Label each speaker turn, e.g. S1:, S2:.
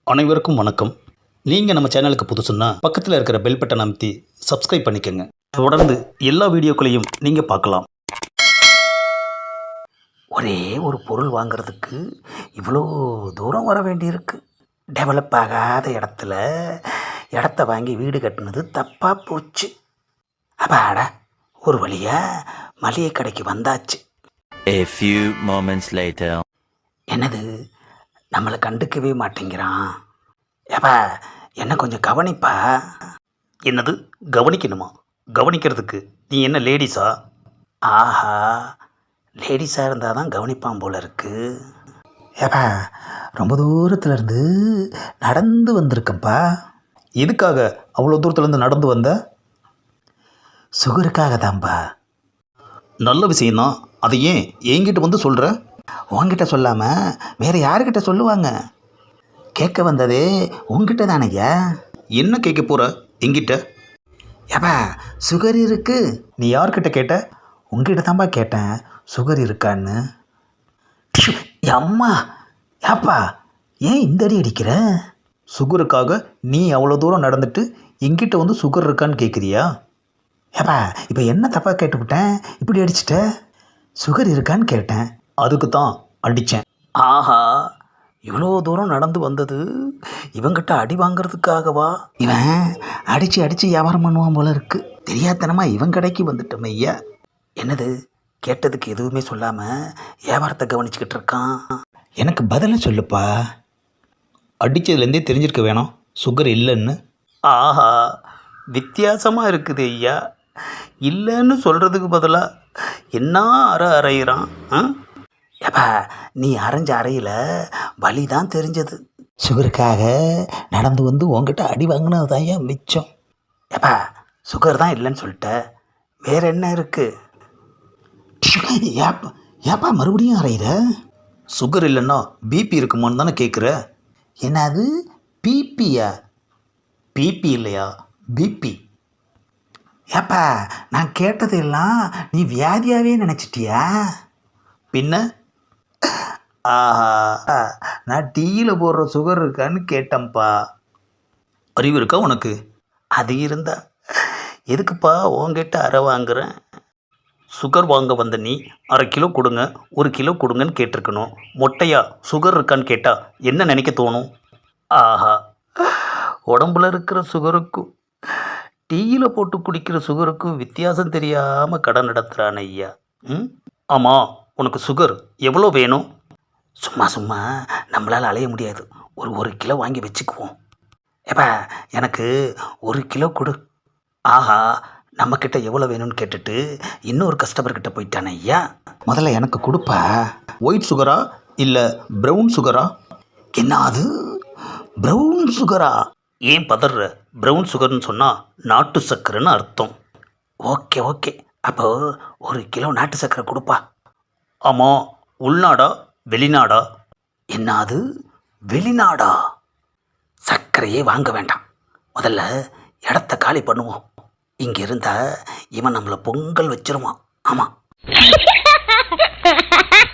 S1: அனைவருக்கும் வணக்கம். நீங்கள் நம்ம சேனலுக்கு புதுசுன்னா பக்கத்தில் இருக்கிற பெல் பட்டன் அமைத்தி சப்ஸ்கிரைப் பண்ணிக்கோங்க. தொடர்ந்து எல்லா வீடியோக்களையும் நீங்கள் பார்க்கலாம்.
S2: ஒரே ஒரு பொருள் வாங்கிறதுக்கு இவ்வளோ தூரம் வர வேண்டியிருக்கு. டெவலப் ஆகாத இடத்த வாங்கி வீடு கட்டினது தப்பாக போச்சு. அப்பாடா, ஒரு வழியாக மளிகை கடைக்கு வந்தாச்சு.
S3: A few moments later.
S2: என்னது, நம்மளை கண்டுக்கவே மாட்டேங்கிறான். ஏப்பா, என்ன கொஞ்சம் கவனிப்பா.
S1: என்னது கவனிக்கணுமா? கவனிக்கிறதுக்கு நீ என்ன லேடிஸா?
S2: ஆஹா, லேடிஸாக இருந்தால் தான் கவனிப்பான் போல இருக்கு. ஏப்பா, ரொம்ப தூரத்துலேருந்து நடந்து வந்திருக்கப்பா.
S1: எதுக்காக அவ்வளோ தூரத்துலேருந்து நடந்து வந்த?
S2: சுகருக்காக தான்ப்பா.
S1: நல்ல விஷயந்தான். அதை ஏன் என்கிட்ட வந்து சொல்கிற?
S2: உங்ககிட்ட சொல்லாமல் வேறு யாருக்கிட்ட சொல்லுவாங்க? கேட்க வந்ததே உங்ககிட்ட தானையா.
S1: என்ன கேட்க போகிற என்கிட்ட?
S2: ஏப்பா, சுகர் இருக்கு.
S1: நீ யார்கிட்ட கேட்ட?
S2: உங்ககிட்ட தான்ப்பா கேட்டேன், சுகர் இருக்கான்னு. அம்மா, ஏப்பா ஏன் இந்த அடி அடிக்கிற?
S1: சுகருக்காக நீ அவ்வளோ தூரம் நடந்துட்டு என்கிட்ட வந்து சுகர் இருக்கான்னு கேட்குறியா?
S2: ஏப்பா, இப்போ என்ன தப்பாக கேட்டுவிட்டேன், இப்படி அடிச்சிட்ட? சுகர் இருக்கான்னு கேட்டேன்.
S1: அதுக்கு தான் அடித்தேன்.
S2: ஆஹா, இவ்வளோ தூரம் நடந்து வந்தது இவங்கிட்ட அடி வாங்கிறதுக்காகவா? இவன் அடித்து வியாபாரம் பண்ணுவான் போல இருக்கு. தெரியாதனமாக இவன் கடைக்கு வந்துட்டோம் ஐயா. என்னது, கேட்டதுக்கு எதுவுமே சொல்லாமல் வியாபாரத்தை கவனிச்சுக்கிட்டு இருக்கான். எனக்கு பதிலை சொல்லுப்பா.
S1: அடித்ததுலேருந்தே தெரிஞ்சிருக்க வேணாம் சுகர் இல்லைன்னு.
S2: ஆஹா, வித்தியாசமாக இருக்குது ஐயா. இல்லைன்னு சொல்கிறதுக்கு பதிலாக என்ன அறையிறான். ஏப்பா, நீ அரைஞ்ச அறையில் வலி தான் தெரிஞ்சது. சுகருக்காக நடந்து வந்து உங்ககிட்ட அடி வாங்கினது தான் ஏன் மிச்சம். ஏப்பா, சுகர் தான் இல்லைன்னு சொல்லிட்ட, வேற என்ன இருக்கு? ஏப்பா ஏப்பா மறுபடியும் அறையிற?
S1: சுகர் இல்லைன்னா பிபி இருக்குமான்னு தானே கேட்குற?
S2: என்னது, பிபியா?
S1: பிபி இல்லையா, பிபி.
S2: ஏப்பா, நான் கேட்டதெல்லாம் நீ வியாதியாகவே நினச்சிட்டியா?
S1: பின்ன?
S2: ஆஹா, நான் டீயில் போடுற சுகர் இருக்கான்னு கேட்டேன்ப்பா.
S1: அறிவு இருக்கா உனக்கு?
S2: அது இருந்தா எதுக்குப்பா உங்ககிட்ட அறை வாங்குறேன்?
S1: சுகர் வாங்க வந்த நீ 1/2 கிலோ கொடுங்க, 1 கிலோ கொடுங்கன்னு கேட்டிருக்கணும். மொட்டையா சுகர் இருக்கான்னு கேட்டால் என்ன நினைக்க தோணும்?
S2: ஆஹா, உடம்புல இருக்கிற சுகருக்கும் டீயில் போட்டு குடிக்கிற சுகருக்கும் வித்தியாசம் தெரியாமல் கடை நடத்துகிறான் ஐயா.
S1: ஆமாம், உனக்கு சுகர் எவ்வளோ வேணும்?
S2: சும்மா நம்மளால் அலைய முடியாது. ஒரு கிலோ வாங்கி வச்சுக்குவோம். ஏப்பா, எனக்கு 1 கிலோ கொடு. ஆஹா, நம்மக்கிட்ட எவ்வளோ வேணும்னு கேட்டுட்டு இன்னொரு கஸ்டமர்கிட்ட போயிட்டானே ஐயா. முதல்ல எனக்கு கொடுப்பா.
S1: ஒயிட் சுகரா இல்லை ப்ரௌன் சுகரா?
S2: என்ன அது, ப்ரௌன் சுகரா?
S1: ஏன் பதற? ப்ரௌன் சுகர்னு சொன்னால் நாட்டு சர்க்கரைன்னு அர்த்தம்.
S2: ஓகே, அப்போ 1 கிலோ நாட்டு சர்க்கரை கொடுப்பா.
S1: ஆமாம், உள்நாடா வெளிநாடா?
S2: என்ன அது, வெளிநாடா? சர்க்கரையே வாங்க வேண்டாம், முதல்ல இடத்த காலி பண்ணுவோம். இங்கே இருந்தால் இவன் நம்மளை பொங்கல் வச்சிருவான். ஆமாம்.